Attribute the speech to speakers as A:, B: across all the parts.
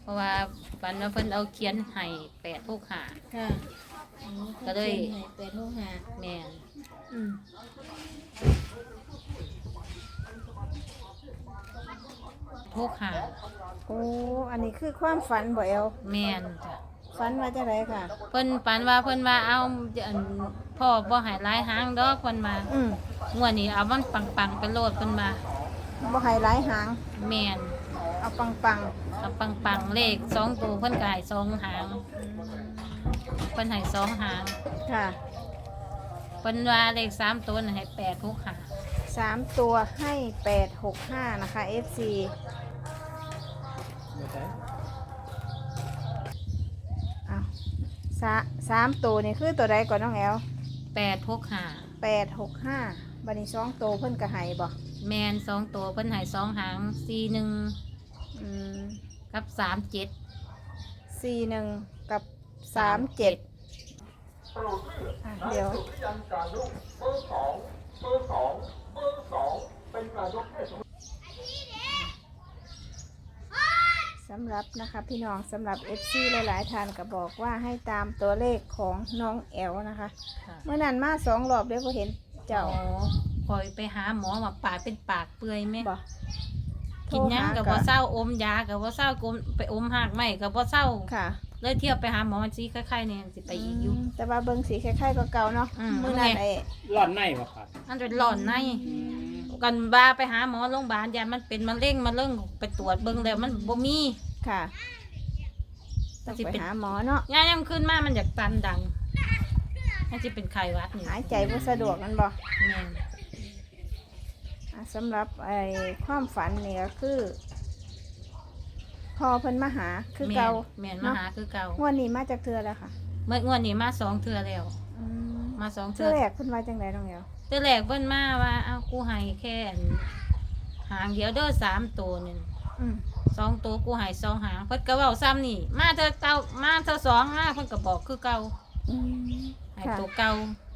A: ราะว่าฝันว่าเพิ่นเอาเขียนให้865
B: ค่ะ
A: ก็เลย
B: 865
A: แม่น
B: อืม
A: 65
B: โอ้อันนี้คือความฝันบ่แอล
A: แม่นจ้ะ
B: ฝันว่าจะไรค่ะ
A: เพิ่นฝันว่าเพิ่นว่าเอาอันพ่อบ่ให้หลายหางดอกเพิ่นมางวดนี้เอามันปังๆไปโลดเพิ่นมา
B: บ่ให้หลายหาง
A: แม่น
B: เอาปัง
A: เอาปังๆเลข2ตัวเพิ่นก็ให้2หางเพิ่นให้2หาง
B: ๆค่ะ
A: เพิ่นว่าเลข3ตัวน่ะให้865
B: 3 ตัวให้865นะคะ FC อ้าว3ตัวนี่คือตัวใดก่อนน้องแอล
A: 865
B: 865บัดนี้2ตัวเพิ่นก็ให้บ่
A: แม่น2ตัวเพิ่นให้2หาง41
B: อืม
A: กับ37
B: 41กับ37เดี๋ยวสำหรับนะคะพี่น้องสำหรับ FC หลายๆท่านก็บอกว่าให้ตามตัวเลขของน้องแอลนะคะ
A: ค่ะ
B: เมื่อนั้นมา2 รอบเดี๋ยวก็เห็นเจ้า
A: คอยไปหาหมอว่าปากเป็นปากเปื่อยไหม
B: บ่
A: กินหยังกับบ่เศร้าอมยากับบ่เศร้ากลมไปอมหากไม้กับบ่เศร้า
B: ค่ะ
A: เลยเที่ยวไปหาหมอมันสิคล้ายๆเนี่ยสิไปอีกอยู่
B: แต่ว่าเบิ่งสีคล้ายๆกับเก่าเนาะ
A: มื้
B: มื้อนั้น
A: ไง
B: ไอ้
C: ร้อนในบ่ครับ
A: มันเป็นหลอนในกันบ้าไปหาหมอโรงพยาบาลยามันเป็นมะเร็งมาเรื่องไปตรวจเบิ่งแล้วมันบ่มี
B: ค่ะต้อง
A: มันสิ
B: ไป
A: เป็น
B: หาหมอเนาะ
A: ยายังขึ้นมามันอยากตันดังมันสิเป็นไข้หวัดนี่
B: หายใจบ่สะดวกนั่นบ่
A: แม่น
B: สำหรับไอ้ความฝันนี่ก็คือพอเพิ่นมาหาคือเก่า
A: แม่นมา
B: เนาะ
A: หาคือเก่าง
B: วดนี้มาจากเทือแล้วค่ะ
A: เมื่องวดนี้มา2เทื่อแล้ว
B: อืม
A: มา2
B: เทื
A: เทื่
B: อ
A: อ
B: แรกเพิ่นว่าจังไดน้องแอว
A: แต่แรกเพิ่นมาว่าเอากูให้แค่อันหางเดียวเด้อ3ตัวนึง
B: อืม
A: 2ตัวกูให้2หางเพิ่นก็เว้าซ้ำนี่มาเธอเก่ามาเธอ2มาเพิ่นก็บอกคือเก่า
B: อืม
A: ให้
B: ค่ะ
A: ตัวเก่า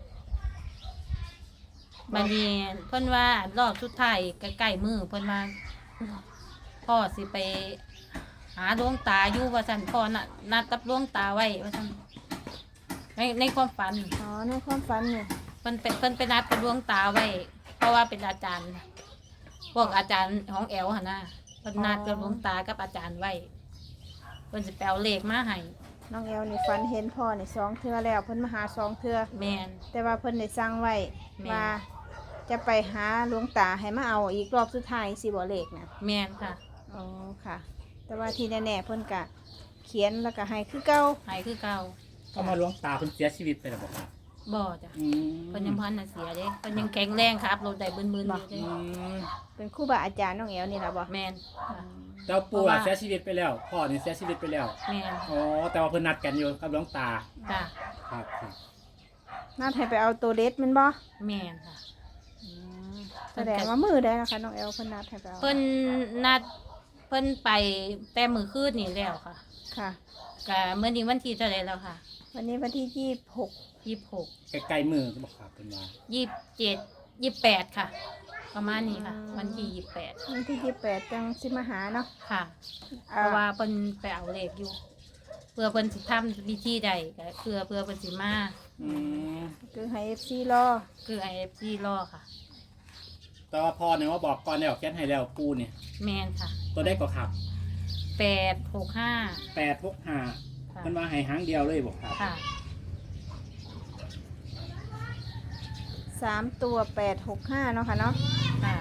A: บัดนี้เพิ่นว่ารอบสุดท้ายใกล้ๆมือเพิ่นว่าพ่อสิไปหาดวงตาอยู่ว่าซั่นพ่อน่ะนัดกับดวงตาไว้ว่าซั่นในความฝัน
B: อ๋อในความฝันนี่
A: เพิ่นไปนัดกับดวงตาไว้ เพราะว่าเป็นอาจารย์พวกอาจารย์ของแอลหั่นน่ะเพิ่นนัดกับดวงตากับอาจารย์ไว้เพิ่นสิไปเอาเลขมาให้
B: น้องแอวนี่ฝันเห็นพ่อนี่2เทือแล้วเพิ่นมาหา2เทือ
A: แม่น
B: แต่ว่าเพิ่นได้สั่งไว้
A: แม่น
B: ว่าจะไปหาหลวงตาให้มาเอาอีกรอบสุดท้ายสิบ่เลขนะ
A: แม่นค่ะ
B: อ๋อค่ะ แต่ว่าที่แน่ๆเพิ่นก็เขียนแล้วก็ให้คือเก่า
A: ให้คือเก่า
C: ก็มาหลวงตาเพิ่นเสียชีวิตไปแล้วบ่ครับ
A: บ่จ้ะ
C: อืม
A: เพิ่นยังพันน่ะเสียเด้เพิ่นยังแข็งแรงครับรถได้บึนๆอยู่
C: อื
A: เด้
C: ม
B: เป็นครูบาอาจารย์น้องแอวนี่ล่ะบ่
A: แม่นค่ะ
C: เจ้าปู่อะเสียชีวิตไปแล้วพ่อนี่เสียชีวิตไปแล้ว
A: แม่น
C: อ๋อแต่ว่าเพิ่นนัดกันอยู่กับหลวงตา
A: จ้ะ
C: ครับครับ
B: น่าให้ไปเอาตัวเด็ดแมันบ่
A: แม่นค่ะ
B: แสดงว่ามือได้นะคะน้องแอลเพิ่นนัดให้ไปเอา
A: เพิ่นนัดเพิ่นไปแต่มื้อคืนนี่แล้วค่ะ
B: ค่ะ
A: ก็มื้อนี้วันที่เท่าไหร่แล้วค่ะ
B: วันนี้วันที่26
A: 26
C: ใกล้ๆมือบ่ครับเพิ่นว่า
A: 27 28ค่ะ ประมาณนี้ค่ะ วันที่28
B: วันที่28จังสิมาหาเนาะ
A: ค่ะ เพราะว่าเพิ่นไปเอาเลขอยู่ เพื่อเพิ่นสิทำวิธีใดก็เพื่อเพิ่นสิมา
C: อืม
B: คือให้ FC รอ
A: คือ IFC รอค่ะ
C: แต่ว่าพ่อเนี่ยว่าบอกก่อนแล้วเขียนให้แล้วปู่เนี่ย
A: แม่นค่ะ
C: ตัวได้ก็ครับ
A: 865
C: 865
A: ค่ะ
C: เพิ่นว่าให้หางเดียวเลยบ่ครับ
A: ค่ะ
B: 3ตัว865เนาะค่ะเนาะ
A: ค่ะ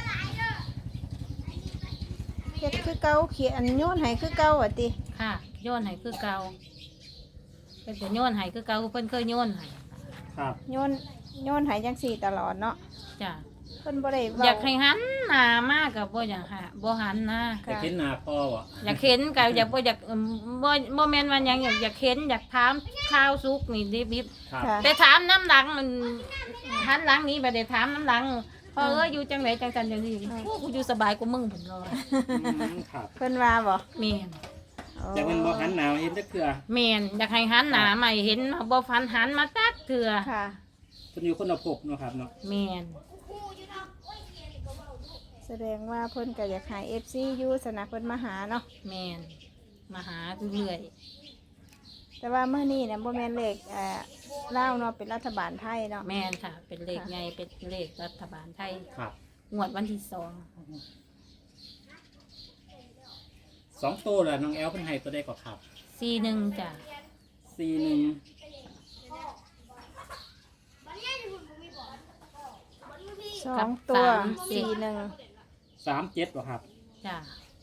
B: เฮ็ดคือเก่าเขียนโยนให้คือเก่าว่าติ
A: ค่ะโยนให้คือเก่าเพิ่นก็โยนให้คือเก่าเพิ่นเคยโยนให้
C: ครับ
B: โยนให้จังซี่ตลอดเนาะ
A: จ้ะ
B: เพิ่นบ่ได้
A: อ
B: เว้าย
A: ากให้หันหน้ามากกับบ่อยากหาบ่หันนะ
C: จะเห็นหน้าพ่อบ่
A: อยากเห็นกับอยากบ่อยากบ่แม่นว่าหยังอยากเห็นอยากถามข้าวสุกนี่ดิบ
C: ครับ
B: ค่ะ
A: ๆแต่ถามน้ำหลังมันหันหลังนี้บ่ได้ถามน้ำหลังพออยู่จังไดจังซั่นจังซี่โอ้กูอยู่สบายกว่ามึงพุ่นเนาะ
C: อืมครับ
B: เพิ่นว่าบ่
A: แม่น
C: แต่มันบ่หันหน้าเห็นจักเทื่อ
A: แม่นอยากให้หันหน้าใหม่เห็นบ่ฟันหันมาตักเถื่อ
B: ค่ะ
C: เพิ่นอยู่คนละภพเนาะครับเนาะ
A: แม่น
B: แสดงว่าเพิ่นก็อยากให้ FC อยู่สนะเพิ่นมาหาเนาะ
A: แม่นมาหาเรื่อย
B: แต่ว่าเมื่อนี้เนี่ยโมเมนเลขเล่าวเนาะเป็นรัฐบาลไทยเนาะ
A: ๆแม่นค่ะ เป็นเลขใหญ่เป็นเลขรัฐบาลไทย
C: ครับ
A: งวดวันที่2
C: 2ตัวแล้วน้องแอลเพิ่นให้ตัวใดก็ครับ
A: 41จ้ะ
C: 41
B: 2 ตัว
C: 37บ่ครับ
A: จ้ะ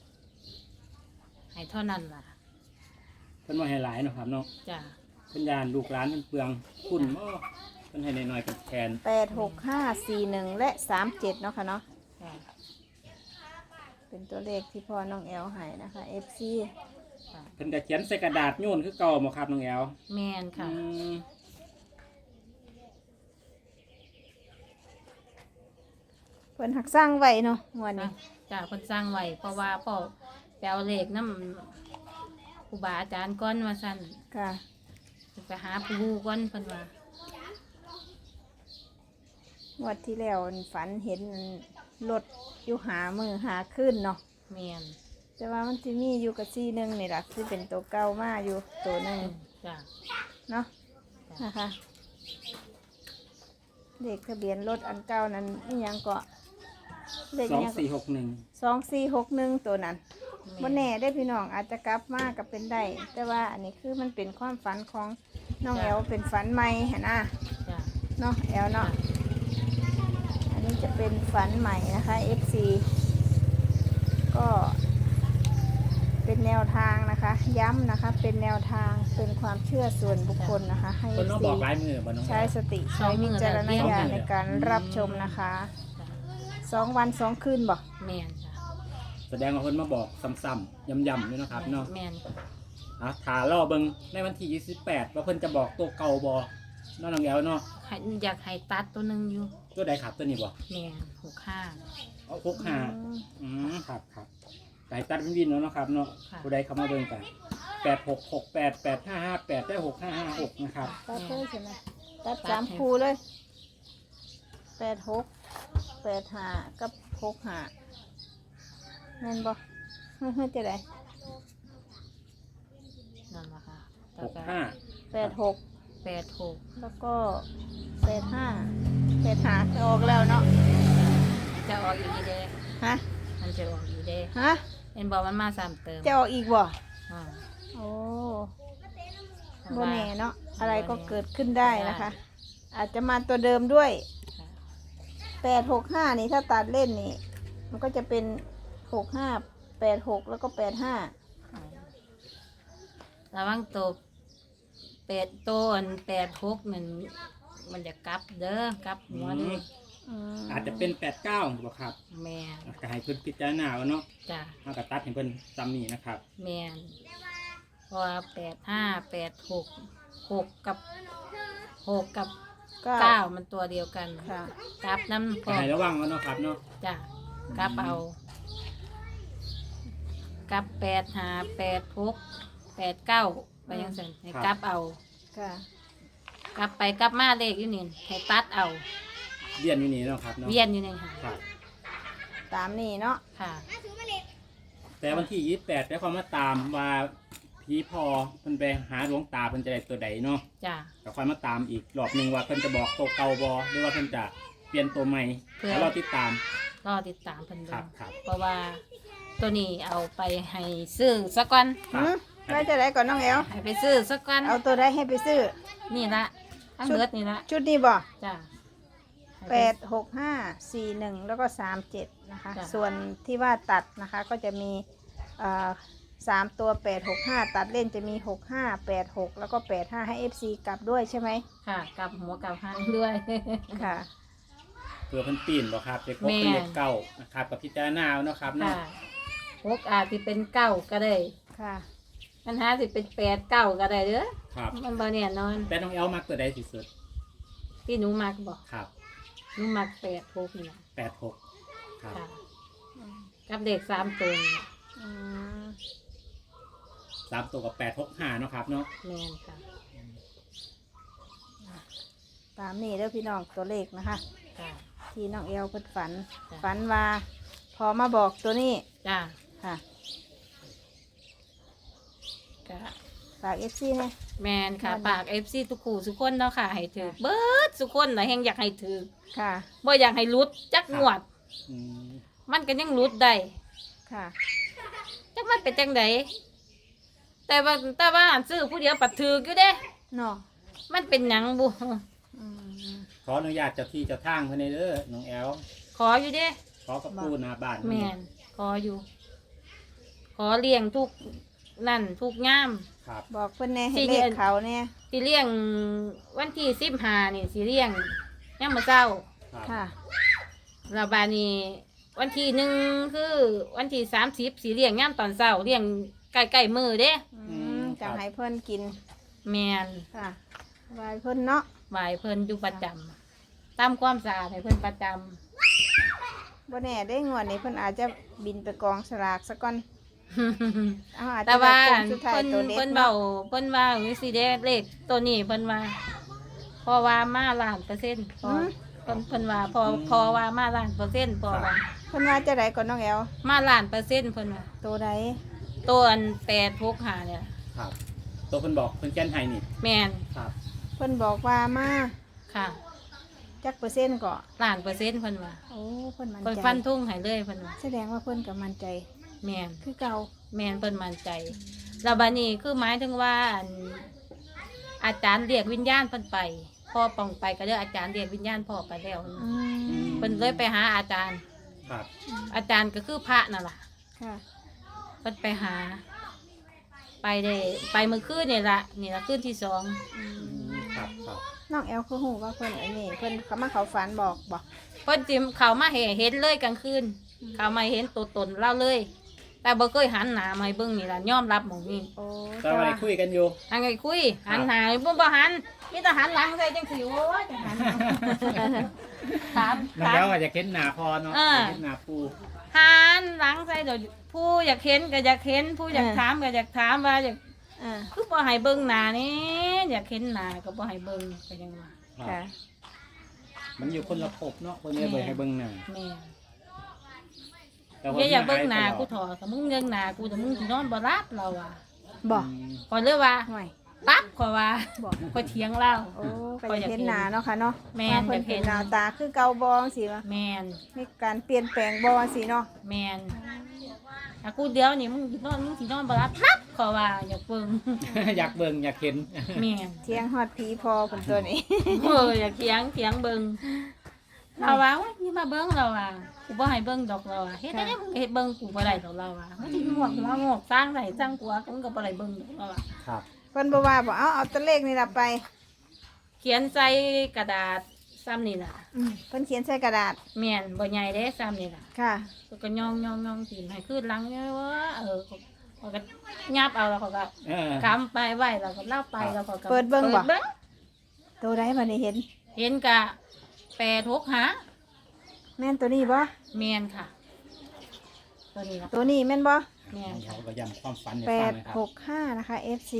A: ให้เท่านั้นล่ะ
C: เพิ่นบ่ให้หลายเนาะครับเนาะ
A: จ้ะ
C: เพิ่นยานลูกหลานเพิ่นเปลืองคุณบ่เพิ่นให้น้อยๆเป็นแทน
B: 86541และ37เนาะค่ะเนาะ
A: จ้ะ
B: เป็นตัวเลขที่พ่อน้องแอลให้นะคะ FC
A: จ้ะ
C: เพิ่นก็เขียนใส่กระดาษโยนคือเก่าบ่ครับน้องแอล
A: แม่นค่ะ
C: ม
B: เพิ่นหักสร้างไว้เนาะงวดนี้
A: จ้ะเพิ่นสร้างไว้เพราะว่าพ่อแปลเลขน้ำครูบาอาจารย์ก่อนว่าซั่น
B: ค่ะ
A: ไปหาปูก่อนเพิ่นว่าง
B: วดที่แล้วฝันเห็นรถอยู่หามือหาขึ้นเนาะ
A: แม่น
B: แต่ว่ามันจะมีอยู่กับC1นี่แหละที่เป็นตัวเก่ามาอยู่ตัวหนึง
A: จ้ะ
B: เนาะนะคะเลขทะเบียนรถอันเก่านั้นนี่ยังเกาะเลขอิหยังเกาะ
C: 2461
B: 2461ตัวนั้นบ่แน่ได้อพี่น้องอาจจะกลับมากับเป็นได้ แต่ว่าอันนี้คือมันเป็นความฝันของน้องแอลเป็นฝันใหม่หนนะ
A: จ้ะ
B: เนาะแอลเนาะอันนี้จะเป็นฝันใหม่นะคะ FC ก็เป็นแนวทางนะคะ ย้ำนะคะเป็นแนวทางเป็นความเชื่อส่วนบุคคลนะคะ ให้
C: เพิ่นมา
B: FC
C: บอกหลายมือบ่น้องแอ
B: ใช้
C: ล
B: สติใช้วิจารณญาณในการรับชมนะคะ
A: จ้ะ
B: 2 วัน 2 คืนบอก
A: แม่นจ้ะ
C: แสดงว่าเพิ่นมาบอกซ้ำๆย้ำๆอยู่เนาะครับเนาะ
A: แม่น
C: ถ้ารอเบิ่งในวันที่28ว่าเพิ่นจะบอกตัวเก่าบ่เนาะน้องแอลเนาะ
A: ให้อยากให้ตัดตัวหนึงอยู่
C: ตัวใดครับตัวนี้บ่
A: แม่น65
C: เอา65ครับสายตัดเป็นวินเนาะครับเนาะ
A: ค่ะ
C: ผู้ใดเข้ามาเบิ่งกัน8668 8558ได้6556นะครับ
B: ตัดเลยใช่ไหมตัด3คู่เลย 86 85 กับ 65แม่นบ่เฮ้ยจะได้
A: นั่นล่ะค่ะแล้วก็
C: 65
A: 86
B: แล้วก็85จะออกแล้วเนาะ
A: จะออกอีกเด้
B: ฮะ
A: มันจะออกอีกเด้
B: ฮะ
A: เห็นบอกมันมา3เติม
B: จะออกอีกบ่
A: อ่า
B: โอ้บ่แน่เนาะอะไรก็เกิดขึ้นได้นะคะ อาจจะมาตัวเดิมด้วย
A: ค่ะ
B: 865นี่ถ้าตัดเล่นนี่ มันก็จะเป็น65 86แล้วก็85
A: ระวังตัว8ตัวอัน86นั่นมันจะกลับเด้อกลับหัวเด้อ
C: อาจจะเป็น89บ่ครับ
A: แม่น
C: ก็ให้เพิ่นพิจารณาเอาเนาะ
A: จ้ะ
C: เฮาก็ตัดให้เพิ่นซ้ำนี่นะครับ
A: แม่นเพราะว่า85 86 6กับ 9มันตัวเดียวกัน
B: ค่ะ
A: กลับน้ำพ
C: ก็
A: อ
C: ให้ระวังไว้เนาะครับเนาะ
A: จ้ะกลับเอากลับ85 86 89ไปยังซั่นให้กลับเอา
B: ค่ะ
A: กลับไปกลับมาเลขอยู่นี่ให้ตัดเอา
C: เรียนอยู่นี่เนาะครับเนาะ
A: เวียนอยู่นี่ค่ะ
C: ครับ
B: ตามนี่เนาะ
A: ค่ะ
C: แต่วันที่28ได้ความมาตามว่าผีพอเพิ่นไปหาหลวงตาเพิ่นจะได้ตัวใดเนาะ
A: จ้ะ
C: ก็ค่อยมาตามอีกรอบหนึงว่าเพิ่นจะบอกตัวเก่าบ่หรือว่าเพิ่นจะเปลี่ยนตัวใหม่แล้วเราติดตาม
A: รอติดตามเพิ่น
C: ครั
A: เบิ่
C: บ
A: ง
C: ครับ
A: เพราะว่าตัวนี้เอาไปให้ซื้อสักก่อน
C: ครับ
B: แล้วจะได้ก่อนน้องแอล
A: ให้ไปซื้อสักก่อน
B: เอาตัวได้ให้ไปซื้อ
A: นี่ละทั้งเบิดนี่ละ
B: ชุดนี้บ่
A: จ้ะให้ไป
B: 86541แล้วก็37นะคะ
A: จ้ะ
B: ส่วนที่ว่าตัดนะคะก็จะมี3ตัว865ตัดเล่นจะมี6586แล้วก็85ให้ FC กลับด้วยใช่ไหม
A: ค่ะกลับหัวกลับหางด้วย
B: ค่ะ
C: เพื่อเพิ่นปีนบ่ครับเด็กพวก
A: แม่
C: เป็นเด็กเก่านะครับกับพิจารณาเอาเนาะครับเนาะ
A: ค่ะหกอาจสิเป็นเก้าก็ได้
B: ค่ะ
A: ปัญหาสิเป็น8 9ก็ได้เด้อ
C: ครับ
A: มันบ่แน่นอน
C: แต่น้องแอลมักตัวใดที่สุด
A: ที่หนูมักบอก
C: ครับ
A: หนูมัก8 6นี่ล่ะ
C: 86ครับ
A: ค่ะกับเด็ก3ตัวนี่
B: อืม
C: 3ตัวกับ865เนาะครับเนาะ
A: แม่นค่ะ
B: ตามนี่เด้อพี่น้องตัวเลขนะคะ
A: ค่ะ
B: ที่น้องเอลเพิ่นฝัน
A: จ้ะ
B: ฝันว่าพอมาบอกตัวนี้
A: จ้า
B: ค่ะฝาก FC แน่
A: แมนค่ะฝาก FC ทุกคู่ทุกคนเนาะค่ะให้ถือเบิดทุกคนน่ะแฮงอยากให้ถือ
B: ค่ะ
A: บ่อยากให้หลุดจักงวด
C: อืม
A: มันก็ยังหลุดได้
B: ค่ะ
A: จักมันเป็นจังไดแต่ว่าอันซื้อผู้เดียวปัดถืออยู่เด้
B: เนาะ
A: มันเป็นหยังบุ
B: อืม
C: ขออนุญาตเจ้าที่เจ้าทางเพิ่นเด้อน้องแอล
A: ขออยู่เด้
C: ขอกับปูหน้าบ้าน
A: แม่นขออยู่ ขอเลี้ยงทุกนั่นทุกย่าม
C: ครับ
B: บอกเพิ่นแน่ให้
A: สิ
B: เลขเขาแน่
A: สิเลี้ยงวันที่15นี่สิเลี้ยงยามมื้อเช้า
C: ครับ
B: ค่ะ
A: แล้วบาดนี้วันที่1คือวันที่30สิเลี้ยงยามตอนเช้าเลี้ยงใกล้ๆมื้อเด้
B: จะให้เพิ่นกิน
A: แม่น
B: ค่ะไว้เพิ่นเนาะ
A: ไหวเพิ่นอยู่ประจำตามความสะอาดให้เพิ่นประจำ
B: บ่แน่ได้งวดนี้เพิ่นอาจจะบินไปกองสลากซะก่อนเอาอาจจะ
A: แต่ว่า
B: ได้โค้งสุดท้าย
A: เพิ่น
B: ตัวเด็ด
A: เพิ่น
B: เนาะ
A: เบาเพิ่นว่าวิสิเดเลขตัวนี้เพิ่นว่าเพอว่ามาล้านเปอร์เซ็นต์พอเพิ่นว่าพอว่ามาล้านเปอร์เซ็นต์พอว่า
B: เพิ่นว่าจะได้ก่อนน้องแอล
A: มาล้านเปอร์เซ็นต์เพิ่นว่า
B: ตัวใด
A: ตัวอัน865เนี่ย
C: ครับตัวเพิ่นบอกเพิ่นแก้นให้นี่
A: แม่น
C: ครับ
B: เพิ่นบอกว่ามา
A: ค่ะ
B: จักเปอร์เซ็นต์ก็
A: ล้านเปอร์เซ็นต์เพิ่นว่า
B: โอ้เพิ่นมั่น
A: เพิ่น
B: ใจ
A: ฟันทุ่งให้เลยเพิ่นว่า
B: แสดงว่าเพิ่นก็มั่นใจ
A: แม่น
B: คือเก่า
A: แม่นเพิ่นมั่นใจแล้วบัดนี้คือหมายถึงว่าอันอาจารย์เรียกวิญญาณเพิ่นไปพ่อป้องไปก็เด้ออาจารย์เรียกวิญญาณพ่อไปแล้ว
B: อืม
A: เพิ่นเลยไปหาอาจารย์
C: ครับ
A: อาจารย์ก็คือพระนั่นล่ะ
B: ค่ะ
A: เพิ่นไปหา ไปได้ไปเมื่อคืนนี่ละคืนที่2
B: อืม
C: ครับครับ
B: น้องแอลคือฮู้ว่าเพิ่นอันนี้เพิ่นเขามาเขาฝันบอก
A: เพิ่นจิมเขามาเห็นเลยกลางคืนเขามาเห็นตัวตนเล่าเลย แต่บ่เคยหันหน้ามาให้เบิ่งนี่ล่ะยอมรับหม่องนี้
B: โอ้
C: ตอนนี้คุยกันอยู่
A: อันไงคุยหันหน้าบ่หันมีแต่หันหลังใส่จังซี่โอ้ยจะหันถาม
C: น้องแอลอาจจะเห็นหน้าพอเนาะ
A: อ่า
C: เห็นหน้าปู
A: หันหลังใส่เดี๋ยวผู้อยากเห็นก็อยากเห็นผู้อยากถามก็อยากถามว่าอยาก
B: อ่า
A: คือบ่ให้เบิ่งหน้านี่อยากเห็นหน้าก็บ่ให้เบิ่งก็ยังว่า
C: ครับ
B: ค่ะ
C: มันอยู่คนละภพเนาะคนนี้เบิ่งให้เบิ่งหน้า
A: แม่
C: แต่ว่า
A: อย่าอยากเบิ่งหน้า
C: ตล
A: กู
C: อด
A: ถอดถ้ามึงเบิ่งหน้ากูแต่มึงสินอนบ่รับเราอ่ะ
B: บอก
C: อืม
A: ก่อนเลยว่า
B: ห่วย
A: ปั๊บขอยว่า
B: บอก
A: ขอยเถียงเล่า
B: โอ้ก็อยากเห็นหน้าเนาะค่ะเนาะ
A: แม่น
B: ว่าเพิ่น
A: อยากเห็
B: เห็น
A: น
B: หน้าตาคือเก่าบองสิวะ
A: แม่น
B: มีการเปลี่ยนแปลงบองสิเนาะ
A: แม่นถ้ากูเดียวนี่มึงสินอนบ่รับปั๊บขอยว่าอยากเบิ่ง
C: อยากเบิ่งอยากเห็น
A: แม่น
B: เที่ยงฮอดผีพอเพิ่นตัวนี้
A: อยากเถียงเบิ่งเราว่าโอ๊ยนี่มาเบิ่งเราว่ากูบ่ให้เบิ่งดอกเราว่าเฮ็ดได้มึงก็เฮ็ดเบิ่งกูบ่ได้ดอกเราว่ามันสิงอกหัวงอกสร้างได้สร้างกลัวมึงก็บ่ได้เบิ่งดอกเราว่า
C: ครับ
B: เพิ่นบอกว่าบอกเอาตัวเลขนี่ล่ะไป
A: เขียนใส่กระดาษซ้ำนี่ล่ะ
B: เพิ่นเขียนใส่กระดาษ
A: แม่นบ่ใหญ่เด้ซ้ำนี่ล่ะ
B: ค่ะ
A: เขาก็ย่องตีนให้ขึ้นหลังเนี่ยว่าเขาก็ยับเอาแล้วเขาก็
C: เออก
A: ำไปไหวแล้วก็เล่าไปแล้วเขาก็
B: เปิดเบิ่งบ่
A: เบิ่ง
B: ตัวใดบัดนี้เห็น
A: เห็นกะ865
B: แม่นตัวนี้บ่
A: แม่นค่ะ ตัวนี้ล่ะ
B: ตัวนี้แม่นบ่
A: แม่น
C: เขา
A: ค่ะ
C: ก็ย้ำความฝันให้
B: แป
C: ฟัง
B: ด
C: นะครับ
B: หกห้านะคะ FC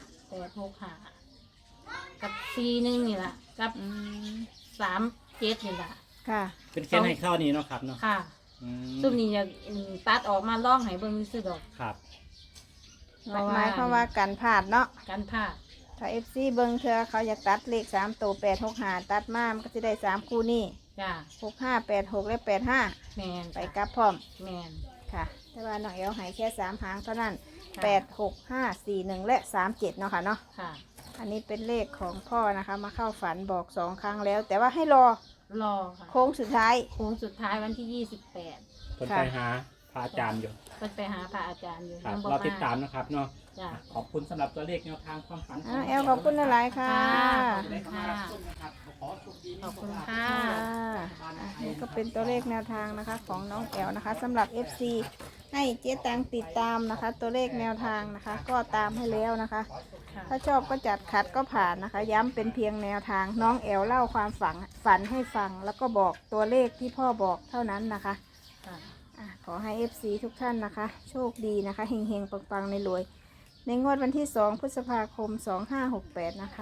A: 865กับ41นี่ล่ะกับ
B: อืม
A: 37นี่ล่ะ
B: ค่ะ
C: เป็นแค่ให้เข้านี้เนาะครับเนาะ
A: ค่ะ
C: อืม
A: ซุมนี้จะตัดออกมาล่องให้เบิ่งซื่อดอก
C: ครับ
A: เพราะว่า
B: หมายความว่ากันพลาดเนาะ
A: การพลาด
B: ถ้า FC เบิ่งเธอเขาอยากตัดเลข3ตัว865ตัดมามันก็จะได้3คู่นี้
A: จ้า
B: 65 86 และ 85
A: แม่น
B: ไปกลับพร้อม
A: แม่น
B: ค่ะ แต่ว่าน้องเอลใหายแค่3หางเท่านั้น
A: ค่ะ
B: 8 6 5 4 1 และ 37เนาะค่ะเนาะ
A: ค่ะ
B: อันนี้เป็นเลขของพ่อนะคะ มาเข้าฝันบอก2ครั้งแล้ว แต่ว่าให้รอ
A: รอค่ะ
B: โค้งสุดท้าย
A: โค้งสุดท้ายวันที่ 28
C: เพิ่นไปหาพระอาจารย์อยู่
A: เพิ่นไปหาพระอาจารย์อยู่
C: ครับ
A: ยังบ่
C: เรา
A: มา
C: ติดตามนะครับเนาะ
A: จ้ะ
C: ขอบคุณสำหรับตัวเลขแนวทางความฝัน
B: แอลขอบคุณหลายๆค่ะ
A: ค่ะ ขอบคุณค่ะ
B: นี่ก็เป็นตัวเลขแนวทางนะคะของน้องแอลนะคะสำหรับ FC ให้เจ๊ตังติดตามนะคะ ตัวเลขแนวทางนะคะ ก็ตามให้แล้วนะคะ
A: ค่ะ
B: ถ้าชอบก็จัดขัดก็ผ่านนะคะ ย้ำเป็นเพียงแนวทางน้องแอลเล่าความฝันให้ฟัง แล้วก็บอกตัวเลขที่พ่อบอกเท่านั้นนะคะ
A: ค่ะ
B: ขอให้ FC ทุกท่านนะคะ โชคดีนะคะเฮงๆปังๆในรวย ในงวดวันที่ 2 พฤษภาคม 2568 นะคะ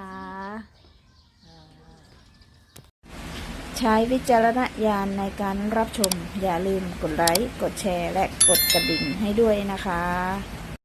B: ใช้วิจารณญาณในการรับชม อย่าลืมกดไลค์ กดแชร์ และกดกระดิ่งให้ด้วยนะคะ